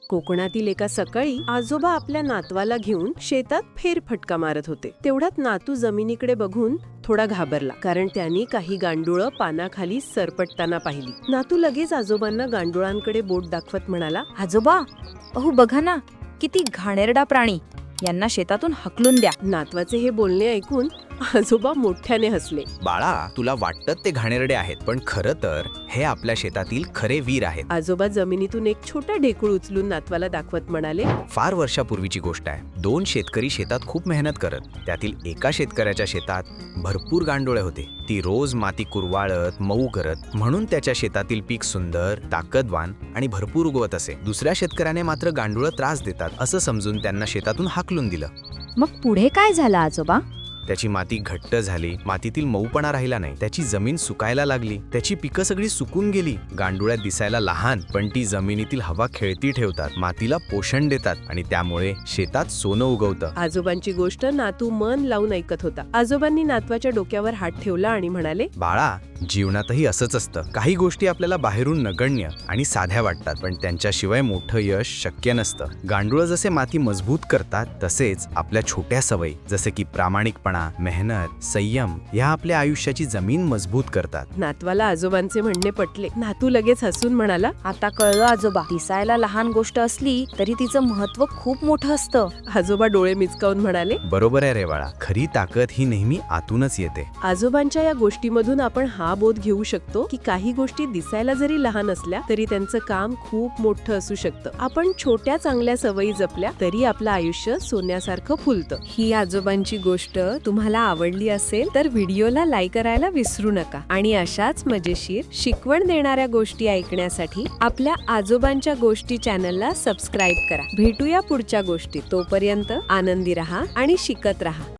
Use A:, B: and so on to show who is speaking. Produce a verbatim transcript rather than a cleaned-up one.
A: कोकणातील एका सकाळी आजोबा आपल्या नातवाला घेऊन शेतात फेरफटका मारत होते. तेवढ्यात नातू जमिनीकडे बघून थोडा घाबरला, कारण त्यांनी काही गांडुळं पानाखाली सरपटताना पाहिली. नातू लगेच आजोबांना गांडुळांकडे बोट दाखवत म्हणाला,
B: आजोबा, अहो बघा ना, किती घाणेरडा प्राणी, यांना शेतातून हकलून द्या.
A: नातवाचे हे बोलणे ऐकून आजोबा मोठ्याने हसले.
C: बाळा, तुला वाटतं ते घाणेरडे आहेत, पण खरं तर हे आपल्या शेतातील खरे वीर आहेत.
A: आजोबा जमिनीतून एक छोटा ढेकूळ उचलून नातवाला दाखवत म्हणाले,
C: फार वर्षापूर्वीची गोष्ट आहे. दोन शेतकरी शेतात खूप मेहनत करत. त्यातील एका शेतकऱ्याच्या शेतात भरपूर गांडोळे होते. ती रोज माती कुरवाळत मऊ करत, म्हणून त्याच्या शेतातील पीक सुंदर, ताकदवान आणि भरपूर उगवत असे. दुसऱ्या शेतकऱ्याने मात्र गांडुळं त्रास देतात असं समजून त्यांना शेतातून हाकलून दिलं.
B: मग पुढे काय झालं आजोबा?
C: त्याची माती घट्ट झाली, मातीतील मऊपणा राहिला नाही, त्याची जमीन सुकायला लागली, त्याची पिकं सगळी सुकून गेली. गांडुळ्या दिसायला लहान, पण ती जमिनीतील हवा खेळती ठेवतात, मातीला पोषण देतात आणि त्यामुळे शेतात सोनं उगवतं.
A: आजोबांची गोष्ट नातू मन लावून ऐकत होता. आजोबांनी नातवाच्या डोक्यावर हात ठेवला आणि म्हणाले,
C: बाळा, जीवनातही असंच असतं. काही गोष्टी आपल्याला बाहेरून नगण्य आणि साध्या वाटतात, पण त्यांच्याशिवाय मोठं यश शक्य नसतं. गांडुळं जसे माती मजबूत करतात, तसेच आपल्या छोट्या सवयी जसे की प्रामाणिकपणा, मेहनत, संयम या आपल्या आयुष्याची जमीन मजबूत करतात.
A: नातवाला आजोबांचे म्हणणे पटले. नातू लगेच हसून म्हणाला,
B: आता कळलं आजोबा, दिसायला लहान गोष्ट असली तरी तिचं महत्व खूप मोठं असतं.
A: आजोबा डोळे मिचकावून म्हणाले,
C: बरोबर आहे रे बाळा, खरी ताकद ही नेहमी आतूनच येते.
A: आजोबांच्या या गोष्टीमधून आपण हा बोध घेऊ शकतो की काही गोष्टी दिसायला जरी लहान असल्या तरी त्यांचं काम खूप मोठं असू शकतं. आपण छोट्या चांगल्या सवयी जपल्या तरी आपलं आयुष्य सोन्यासारखं फुलतं. ही आजोबांची गोष्ट तुम्हाला आवडली असेल तर व्हिडिओला लाईक करायला विसरू नका आणि अशाच मजेशीर शिकवण देणाऱ्या गोष्टी ऐकण्यासाठी आपल्या आजोबांच्या गोष्टी चॅनलला सबस्क्राईब करा. भेटूया पुढच्या गोष्टीत. तोपर्यंत आनंदी राहा आणि शिकत राहा.